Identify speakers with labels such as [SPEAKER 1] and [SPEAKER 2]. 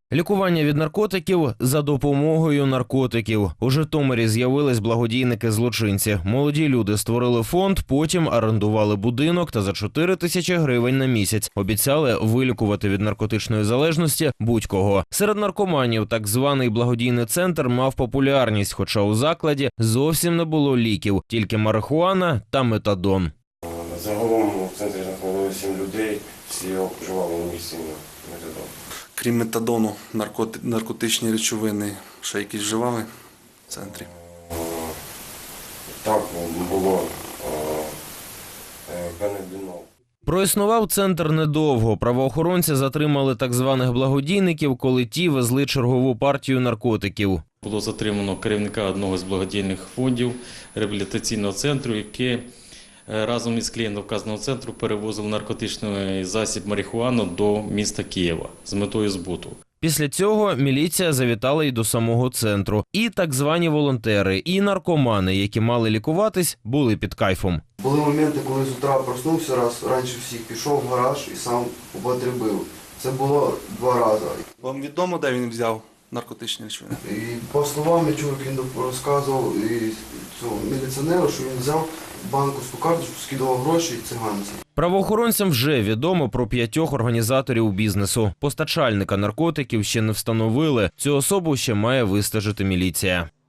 [SPEAKER 1] Лікування від наркотиків за допомогою наркотиків. У Житомирі з'явились благодійники-злочинці. Молоді люди створили фонд, потім орендували будинок та за 4 тисячі гривень на місяць обіцяли вилікувати від наркотичної залежності будь-кого. Серед наркоманів так званий благодійний центр мав популярність, хоча у закладі зовсім не було ліків, тільки марихуана та метадон.
[SPEAKER 2] Загалом у центрі знаходилося 7 людей, всі вживали ін'єкційний метадон.
[SPEAKER 3] Крім метадону, наркотичні речовини ще якісь вживали в центрі?
[SPEAKER 2] Так, було канабінол.
[SPEAKER 1] Проіснував центр недовго. Правоохоронці затримали так званих благодійників, коли ті везли чергову партію наркотиків.
[SPEAKER 4] Було затримано керівника одного з благодійних фондів реабілітаційного центру, який разом із клієнтом вказаного центру перевозив наркотичний засіб марихуану до міста Києва з метою збуту.
[SPEAKER 1] Після цього міліція завітала й до самого центру. І так звані волонтери, і наркомани, які мали лікуватись, були під кайфом.
[SPEAKER 5] Були моменти, коли з утра проснувся раз, раніше всіх пішов в гараж і сам употребив. Це було 2 рази.
[SPEAKER 3] Вам відомо, де він взяв наркотичні речовини?
[SPEAKER 5] І по словам я чув, як він розказував і цього міліціонеру, що він взяв банківську карточку, скидував гроші циганці.
[SPEAKER 1] Правоохоронцям вже відомо про 5 організаторів бізнесу. Постачальника наркотиків ще не встановили. Цю особу ще має вистежити міліція.